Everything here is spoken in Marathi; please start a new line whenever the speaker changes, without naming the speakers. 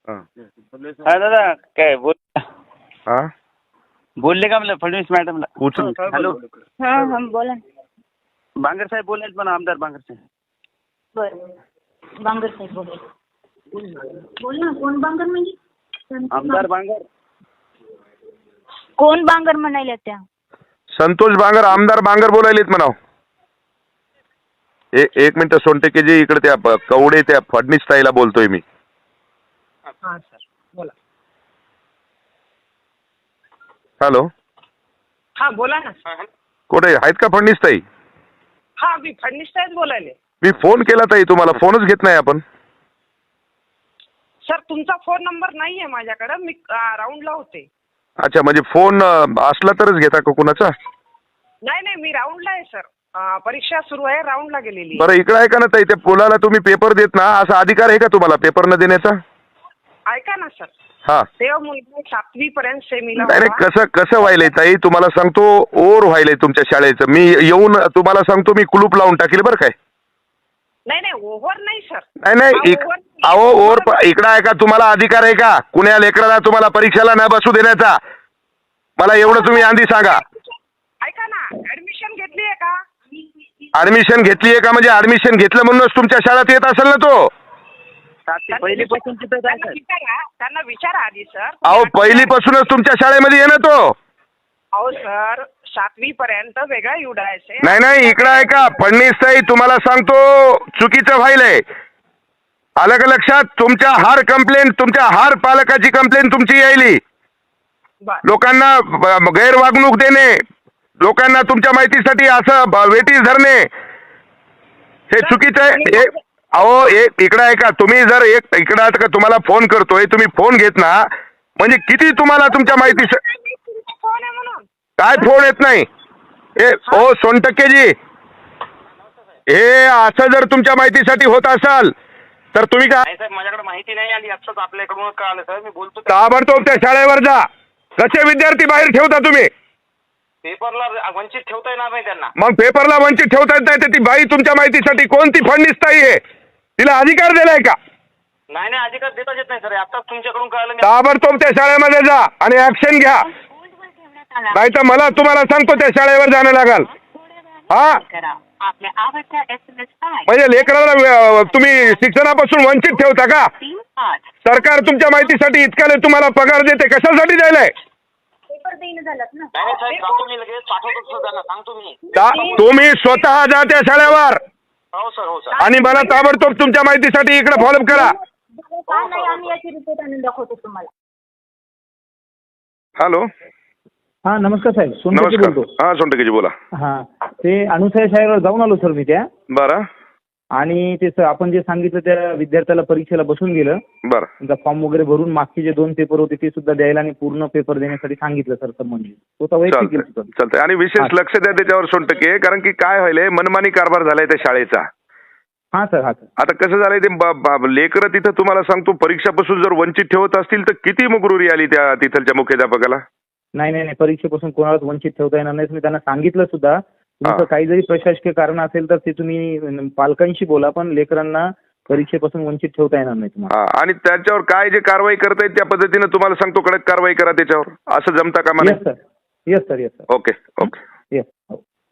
हा दादा काय बोल
हा
बोलले का मला फडणवीस मॅडमला
उचल.
हॅलो
हा हा बोला ना.
बांगर साहेब बोललेत पण आमदार बांगर साहेब.
बरं बांगर साहेब बोला. बोल ना कोण बांगर म्हणजे?
आमदार बांगर
कोण बांगर म्हणायला त्या?
संतोष बांगर आमदार बांगर बोलायलेत म्हणाव. एक मिनिट सोनटेकेजी इकडे त्या कवडे त्या फडणीस ताईला बोलतोय मी.
हा सर बोला.
हॅलो
हा बोला ना.
कुठे आहेत का फडणीस ताई?
हा मी फडणीस साहेब बोलायले.
मी फोन केला ताई तुम्हाला फोनच घेत नाही आपण.
सर तुमचा फोन नंबर नाहीये माझ्याकडे. मी राऊंडला होते.
अच्छा म्हणजे फोन असला तरच घेता का कुणाचा?
नाही नाही मी राऊंडला आहे सर. परीक्षा सुरू आहे राऊंडला गेलेली.
बरं इकडे ऐका ना ताई त्या पोलाला तुम्ही पेपर देत ना असा अधिकार आहे का तुम्हाला पेपर न देण्याचा?
ऐका ना सर.
हा
तेव्हा मुलगा 7वी पर्यंत सेमीला
नाही नाही
होता.
कसं व्हायलंय ताई तुम्हाला सांगतो ओर व्हायलंय तुमच्या शाळेचं. मी येऊन तुम्हाला सांगतो मी कुलूप लावून टाकेल बरं काय.
नाही नाही ओव्हर नाही सर.
नाही अहो ओर इकडं आहे का तुम्हाला अधिकार आहे का कुण्या लेकराला तुम्हाला परीक्षेला न बसू देण्याचा? मला एवढं तुम्ही आधी सांगा.
ऐका ना ऍडमिशन घेतली आहे का?
ऍडमिशन घेतली आहे का म्हणजे ऍडमिशन घेतलं म्हणूनच तुमच्या शाळेत येत असेल ना तो.
पहिलीपासून तिथं
त्यांना विचारा आधी सर.
अहो पहिलीपासूनच तुमच्या शाळेमध्ये आहे ना तो.
अहो सर 7वी पर्यंत वेगळा युडायचे.
नाही इकडं आहे का फडणीस ताई तुम्हाला सांगतो चुकीचं व्हायलंय. आलं का लक्षात? तुमच्या हर कंप्लेंट तुमच्या हर पालकाची कंप्लेंट तुमची यायली. लोकांना गैरवागणूक देणे लोकांना तुमच्या माहितीसाठी असं वेटीस धरणे हे चुकीचं आहे. अहो इकडं आहे का तुम्ही जर इकडं आहे का तुम्हाला फोन करतोय तुम्ही फोन घेत ना म्हणजे किती तुम्हाला तुमच्या माहिती
फोन आहे म्हणून
काय फोन येत नाही. ओ सोनटक्केजी हे असं जर तुमच्या माहितीसाठी होत असाल तर तुम्ही काय
साहेब माझ्याकडे माहिती नाही आली आत्ताच आपल्याकडून कळालं सर. मी बोलतो
ताबडतोब त्या शाळेवर जा. कसे विद्यार्थी बाहेर ठेवता तुम्ही?
पेपरला वंचित ठेवता येणार नाही त्यांना.
मग पेपरला वंचित ठेवता येत नाही तर ती बाई तुमच्या माहितीसाठी कोणती फडणीस ताई आहे? तिला अधिकार दिलाय का?
नाही नाही अधिकार देताच येत नाही सर. आत्ताच तुमच्याकडून कळालं.
ताबडतोब त्या शाळेमध्ये जा आणि ऍक्शन घ्या. नाही तर मला तुम्हाला सांगतो त्या शाळेवर जाणं लागल. हा म्हणजे लेकराला तुम्ही शिक्षणापासून वंचित ठेवता का? सरकार तुमच्या माहितीसाठी इतक्याला तुम्हाला पगार देते कशासाठी द्यायलाय?
पेपर देईन झालात ना.
नाही साहेब सांगतो मी लगेच पाठवतो सर त्यांना सांगतो मी.
तुम्ही स्वतः जा त्या शाळेवर
हो सर हो सर.
आणि मला ताबडतोब तुमच्या माहितीसाठी इकडे फॉलोअप करा.
नाही आम्ही याची रिपोर्ट आणून दाखवतो तुम्हाला.
हॅलो
हा नमस्कार साहेब सोनटके
नमस्कार.
बोलतो.
हा सोनटकेजी बोला.
हा ते अनुसया शाळेवर जाऊन आलो सर मी त्या.
बरं
आणि ते आपण जे सांगितलं त्या विद्यार्थ्याला परीक्षेला बसून गेलं.
बरं
त्यांचा फॉर्म वगैरे भरून मागचे जे 2 पेपर होते ते सुद्धा द्यायला आणि पूर्ण पेपर देण्यासाठी सांगितलं सर संबंधित. तो वैयक्तिक
चालतंय आणि विशेष लक्ष द्या त्याच्यावर सोनटके कारण की काय व्हायलंय मनमानी कारभार झालाय त्या शाळेचा.
हा सर हा सर.
आता कसं झालंय ते लेकरं तिथं तुम्हाला सांगतो परीक्षापासून जर वंचित ठेवत असतील तर किती मुगरुरी आली त्या तिथलच्या मुख्याध्यापकाला.
नाही परीक्षेपासून कोणालाच वंचित ठेवता येणार नाही. मी त्यांना सांगितलं सुद्धा तुमचं काही जरी प्रशासकीय कारण असेल तर ते तुम्ही पालकांशी बोला पण लेकरांना परीक्षेपासून वंचित ठेवता येणार नाही तुम्हाला.
आणि त्याच्यावर काय जे कारवाई करतायत त्या पद्धतीनं तुम्हाला सांगतो कडक कारवाई करा त्याच्यावर. असं जमता का मला?
Yes sir.
Okay okay.
Yes.